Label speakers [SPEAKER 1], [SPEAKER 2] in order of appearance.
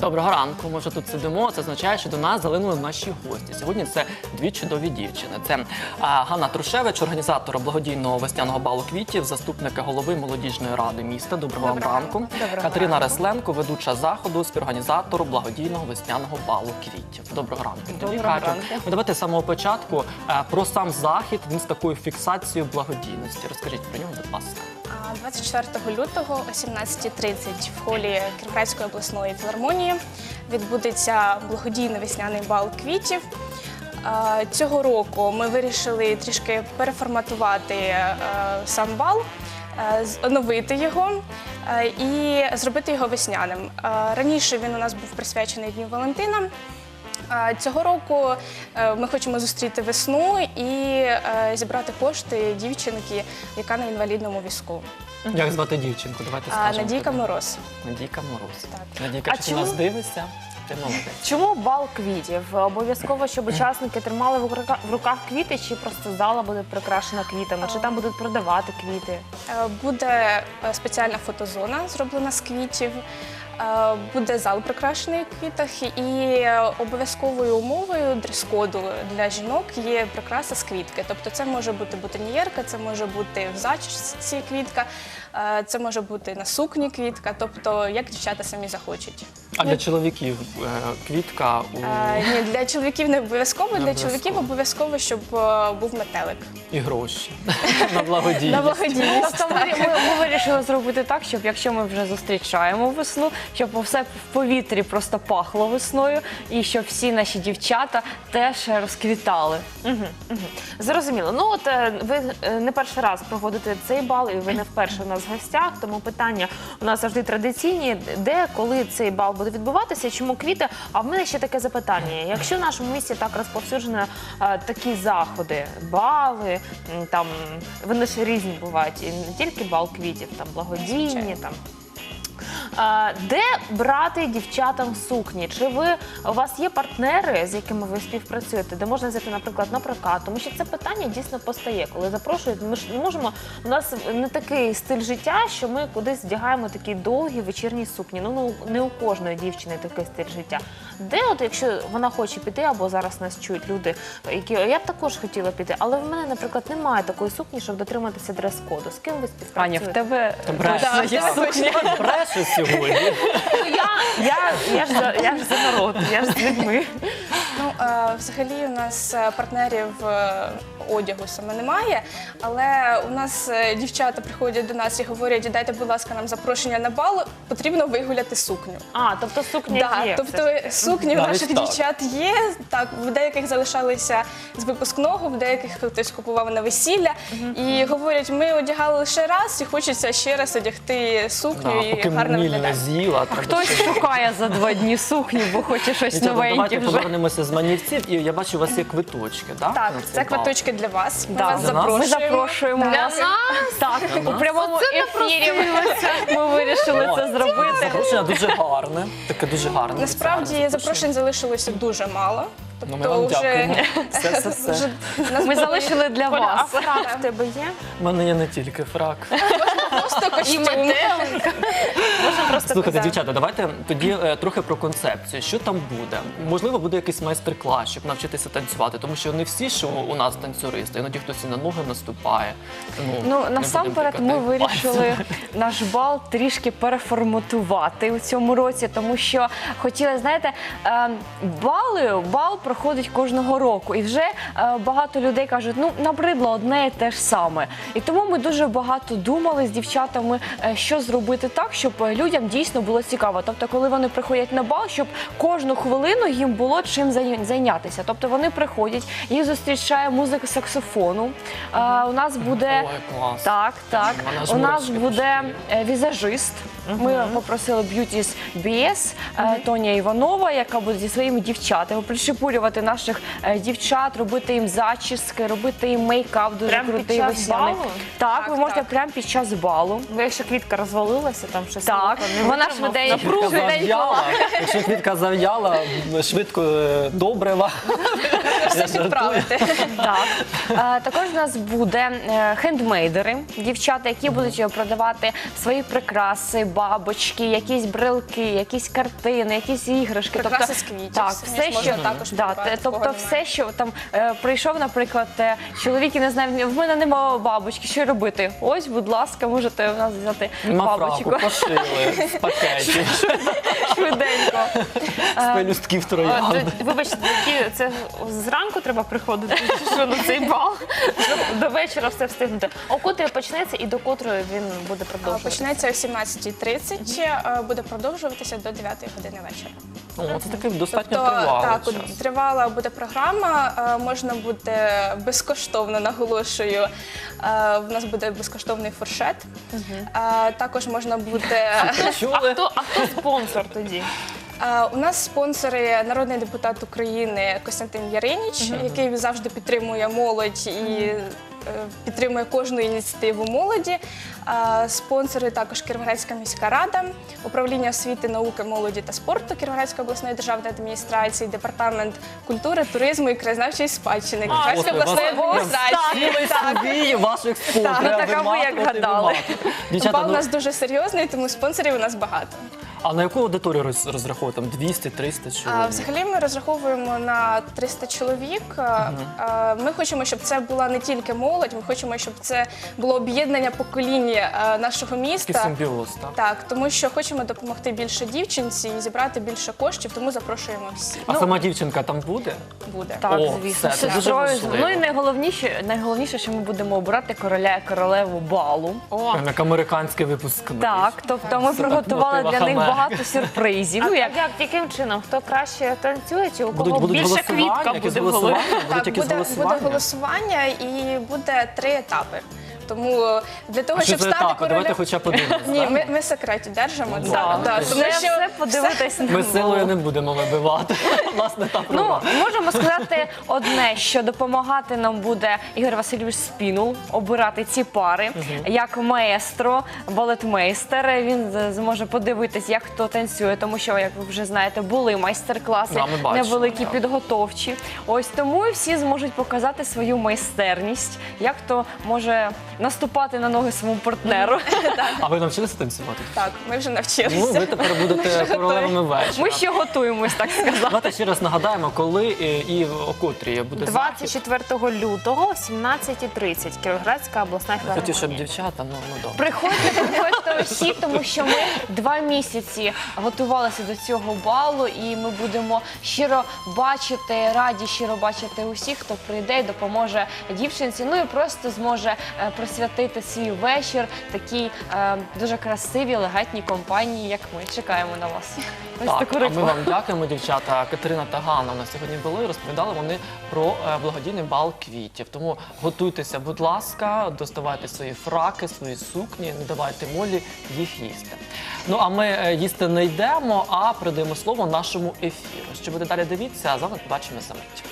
[SPEAKER 1] Доброго ранку. Ми вже тут сидимо. Це означає, що до нас залинули наші гості. Сьогодні це дві чудові дівчини. Це Ганна Трушевич, організатор благодійного весняного балу квітів, заступника голови молодіжної ради міста. Доброго вам ранку. Катерина Ресленко, ведуча заходу, співорганізатору благодійного весняного балу квітів. Доброго ранку.
[SPEAKER 2] Доброго ранку.
[SPEAKER 1] Давайте з самого початку про сам захід, він з такою фіксацією благодійності. Розкажіть про нього, будь ласка.
[SPEAKER 3] 24 лютого о 17:30 в холі Кіровоградської обласної філармонії відбудеться благодійний весняний бал квітів. Цього року ми вирішили трішки переформатувати сам бал, оновити його і зробити його весняним. Раніше він у нас був присвячений Дню Валентина. Цього року ми хочемо зустріти весну і зібрати кошти дівчинки, яка на інвалідному візку.
[SPEAKER 1] Як звати дівчинку? Давайте скажемо.
[SPEAKER 3] Надійка Мороз.
[SPEAKER 1] Надійка Мороз.
[SPEAKER 3] Так.
[SPEAKER 1] Надійка, якщо ти нас дивишся, ти молодець.
[SPEAKER 2] Чому бал квітів? Обов'язково, щоб учасники тримали в руках квіти, чи просто зала буде прикрашена квітами, чи там будуть продавати квіти?
[SPEAKER 3] Буде спеціальна фотозона, зроблена з квітів. Буде зал прикрашений в квітах, і обов'язковою умовою дрес-коду для жінок є прикраса з квітки. Тобто це може бути бутоньєрка, це може бути в зачісці квітка, це може бути на сукні квітка, тобто як дівчата самі захочуть.
[SPEAKER 1] А для чоловіків квітка?
[SPEAKER 3] Ні, для чоловіків не обов'язково, для чоловіків обов'язково, щоб був метелик.
[SPEAKER 1] І гроші на благодійність.
[SPEAKER 3] На благодійність.
[SPEAKER 2] Тобто ми вирішили зробити так, щоб якщо ми вже зустрічаємо весну, щоб все в повітрі просто пахло весною і щоб всі наші дівчата теж розквітали. Зрозуміло. Ну от ви не перший раз проводите цей бал, і ви не вперше у нас в гостях, тому питання у нас завжди традиційні. Де, коли цей бал буде відбуватися, чому квіти? А в мене ще таке запитання. Якщо в нашому місті так розповсюджені такі заходи, бали, там, вони ж різні бувають, і не тільки бал квітів, там благодійні, там. Де брати дівчатам сукні? Чи у вас є партнери, з якими ви співпрацюєте, де можна взяти, наприклад, на прокат? Тому що це питання дійсно постає, коли запрошують. Ми ж не можемо, у нас не такий стиль життя, що ми кудись вдягаємо такі довгі вечірні сукні. Ну, не у кожної дівчини такий стиль життя. Де, от, якщо вона хоче піти, або зараз нас чують люди, які я б також хотіла піти, але в мене, наприклад, немає такої сукні, щоб дотриматися дрес-коду. З ким ви співпрацюєте?
[SPEAKER 4] Аня, в тебе
[SPEAKER 1] Бреше сьогодні.
[SPEAKER 2] Я ж за народ, я ж з людьми.
[SPEAKER 3] Ну, взагалі у нас партнерів одягу саме немає, але у нас дівчата приходять до нас і говорять: дайте, будь ласка, нам запрошення на бал, потрібно вигуляти сукню.
[SPEAKER 2] Тобто сукня є.
[SPEAKER 3] Тобто сукні у наших дівчат є, так, в деяких залишалися з випускного, в деяких хтось купував на весілля. І говорять, ми одягали лише раз і хочеться ще раз одягти сукню і гарно виглядати.
[SPEAKER 1] З'їла.
[SPEAKER 4] хтось шукає за 2 дні сукню, бо хоче щось новеньке
[SPEAKER 1] Давайте
[SPEAKER 4] вже.
[SPEAKER 1] повернемося з манівців. І я бачу, у вас є квиточки, так?
[SPEAKER 3] Так, це квиточки для вас. Ми вас
[SPEAKER 4] Ми
[SPEAKER 3] запрошуємо.
[SPEAKER 4] запрошуємо вас. Так, у прямому ефірі ми вирішили це зробити.
[SPEAKER 1] Запрошення дуже гарне. Таке дуже гарне.
[SPEAKER 3] Насправді запрошень залишилося дуже мало.
[SPEAKER 1] Ну, ми вам дякуємо. Все.
[SPEAKER 4] Ми залишили для
[SPEAKER 2] А
[SPEAKER 4] вас.
[SPEAKER 2] фрак в тебе є?
[SPEAKER 1] У мене є не тільки фрак.
[SPEAKER 3] Просто костюм.
[SPEAKER 2] Можна просто
[SPEAKER 1] Слухайте,
[SPEAKER 2] казати.
[SPEAKER 1] дівчата, давайте тоді трохи про концепцію. Що там буде? Можливо, буде якийсь майстер-клас, щоб навчитися танцювати, тому що не всі, що у нас танцюристи, іноді хтось і на ноги наступає.
[SPEAKER 4] Ну, насамперед, ми вирішили наш бал трішки переформатувати у цьому році, тому що хотіли, знаєте, бал проходить кожного року, і вже багато людей кажуть, ну, набридло одне і те ж саме. І тому ми дуже багато думали з дівчатами, що зробити так, щоб людям дійсно було цікаво. Тобто, коли вони приходять на бал, щоб кожну хвилину їм було чим зайнятися. Тобто, вони приходять, їх зустрічає музика саксофону. У нас буде...
[SPEAKER 1] Ой, клас.
[SPEAKER 4] Так.
[SPEAKER 1] Вона ж
[SPEAKER 4] У нас
[SPEAKER 1] мурашки
[SPEAKER 4] буде візажист. Ми попросили Beauty's BS Тоня Іванова, яка буде зі своїми дівчатами прищепурювати наших дівчат, робити їм зачіски, робити їм мейкап дуже
[SPEAKER 2] Прямо під
[SPEAKER 4] крутий
[SPEAKER 2] час
[SPEAKER 4] весняний.
[SPEAKER 2] балу?
[SPEAKER 4] Так, ви можете
[SPEAKER 3] Так.
[SPEAKER 4] прямо під час балу.
[SPEAKER 2] балу.
[SPEAKER 4] Бо якщо квітка розвалилася, там щось
[SPEAKER 2] Так,
[SPEAKER 4] не
[SPEAKER 2] вона
[SPEAKER 4] витримав,
[SPEAKER 2] швиденько
[SPEAKER 1] Зав'яла. Якщо квітка зав'яла, швидко добрива.
[SPEAKER 3] Все підправити.
[SPEAKER 2] Так. Також у нас буде хендмейдери, дівчата, які будуть продавати свої прикраси, бабочки, якісь брелки, якісь картини, якісь іграшки.
[SPEAKER 3] Прикраси з квітів.
[SPEAKER 2] Так,
[SPEAKER 3] Самі
[SPEAKER 2] все,
[SPEAKER 3] ж можна
[SPEAKER 2] що,
[SPEAKER 3] також
[SPEAKER 2] да,
[SPEAKER 3] придбати, в кого
[SPEAKER 2] тобто
[SPEAKER 3] немає.
[SPEAKER 2] все, що там прийшов, наприклад, чоловік і не знає, в мене немає бабочки, що робити? Ось, будь ласка, можете в нас взяти бабочку.
[SPEAKER 1] Мафраку пошили з пакетів,
[SPEAKER 2] Швиденько.
[SPEAKER 1] з пелюстків троянди.
[SPEAKER 4] Вибачте, це зранку треба приходити, чи що на цей бал, щоб до вечора все встигнути. О котрій почнеться і до котрої він буде продовжуватися?
[SPEAKER 3] Почнеться о 17:30, буде продовжуватися до 9 години вечора.
[SPEAKER 1] О, це такий достатньо
[SPEAKER 3] Тобто,
[SPEAKER 1] тривалий
[SPEAKER 3] так,
[SPEAKER 1] час.
[SPEAKER 3] тривала буде програма, можна буде безкоштовно, наголошую, в нас буде безкоштовний фуршет. Також можна буде...
[SPEAKER 1] Чули?
[SPEAKER 4] А хто спонсор тоді?
[SPEAKER 3] У нас спонсори народний депутат України Костянтин Яриніч, який завжди підтримує молодь і підтримує кожну ініціативу молоді. Спонсори також Кіровоградська міська рада, управління освіти, науки, молоді та спорту Кіровоградської обласної державної адміністрації, департамент культури, туризму і краєзнавчої спадщини Кіровоградської обласної адміністрації.
[SPEAKER 1] Цілий собі ваших спонсорів.
[SPEAKER 2] Ну, так, а ви як гадали?
[SPEAKER 1] Дівчата,
[SPEAKER 3] Бал у нас дуже серйозний, тому спонсорів у нас багато.
[SPEAKER 1] а на яку аудиторію розраховують? Там 200-300 чоловік?
[SPEAKER 3] Взагалі ми розраховуємо на 300 чоловік. Ми хочемо, щоб це була не тільки молодь, ми хочемо, щоб це було об'єднання покоління нашого
[SPEAKER 1] Такий
[SPEAKER 3] міста.
[SPEAKER 1] симбіоз, так?
[SPEAKER 3] Так, тому що хочемо допомогти більше дівчинці і зібрати більше коштів, тому запрошуємо всі.
[SPEAKER 1] А сама дівчинка там буде?
[SPEAKER 3] Буде.
[SPEAKER 2] Так,
[SPEAKER 1] О,
[SPEAKER 2] звісно.
[SPEAKER 1] все, це дуже
[SPEAKER 2] Сестрою.
[SPEAKER 1] важливо.
[SPEAKER 2] Ну і найголовніше, що ми будемо обирати короля і королеву балу.
[SPEAKER 4] О,
[SPEAKER 1] Як американський випускник.
[SPEAKER 2] Так, тобто ми приготували для них багато сюрпризів. Ну, як
[SPEAKER 4] яким чином? Хто краще танцює, чи у кого
[SPEAKER 1] Будуть
[SPEAKER 4] більше
[SPEAKER 1] голосування,
[SPEAKER 4] квітка
[SPEAKER 1] якісь
[SPEAKER 4] буде в голові?
[SPEAKER 1] голосування? Будуть
[SPEAKER 3] Так,
[SPEAKER 1] якісь
[SPEAKER 3] буде
[SPEAKER 1] голосування?
[SPEAKER 3] голосування і буде 3 етапи. Тому для того,
[SPEAKER 1] А що
[SPEAKER 3] щоб
[SPEAKER 1] за
[SPEAKER 3] стати
[SPEAKER 1] етапи? Давайте
[SPEAKER 3] королем...
[SPEAKER 1] хоча б подивимось.
[SPEAKER 3] Ні, ми секреті держимо.
[SPEAKER 1] Ну,
[SPEAKER 3] Так,
[SPEAKER 1] ладно.
[SPEAKER 3] так, тому
[SPEAKER 2] це
[SPEAKER 3] що
[SPEAKER 2] все подивитись на
[SPEAKER 1] Ми силою не будемо вибивати. Власне, та
[SPEAKER 2] Ну,
[SPEAKER 1] права.
[SPEAKER 2] можемо сказати одне, що допомагати нам буде Ігор Васильович Спінул обирати ці пари, як маестро, балетмейстер. Він зможе подивитись, як хто танцює, тому що, як ви вже знаєте, були майстер-класи
[SPEAKER 1] Да, ми бачили,
[SPEAKER 2] невеликі,
[SPEAKER 1] так.
[SPEAKER 2] підготовчі. Ось тому і всі зможуть показати свою майстерність, як хто може наступати на ноги своєму партнеру.
[SPEAKER 1] А ви навчилися танцювати?
[SPEAKER 3] Так, ми вже
[SPEAKER 1] Ну,
[SPEAKER 3] навчилися.
[SPEAKER 1] ви тепер будете королевами вечора.
[SPEAKER 2] Ми ще готуємось, так сказати.
[SPEAKER 1] Давайте ще раз нагадаємо, коли і о котрій буде захід.
[SPEAKER 4] 24 лютого, о 17:30, Кіровоградська обласна
[SPEAKER 1] Хотів, щоб
[SPEAKER 4] філармонія.
[SPEAKER 1] дівчата, ну добре.
[SPEAKER 2] Приходьте всі, тому що ми 2 місяці готувалися до цього балу, і ми будемо щиро бачити, раді щиро бачити усіх, хто прийде і допоможе дівчинці. Ну і просто зможе присвятити свій вечір такій дуже красивій, елегантній компанії, як ми. Чекаємо на вас. Ось
[SPEAKER 1] Так,
[SPEAKER 2] таку
[SPEAKER 1] а ми
[SPEAKER 2] рекламу.
[SPEAKER 1] вам дякуємо, дівчата. Катерина та Ганна у нас сьогодні були, розповідали вони про благодійний бал квітів. Тому готуйтеся, будь ласка, доставайте свої фраки, свої сукні, не давайте молі їх їсти. Ну, а ми їсти не йдемо, а передаємо слово нашому ефіру. Що буде далі, дивіться, а з вами побачимо за мить.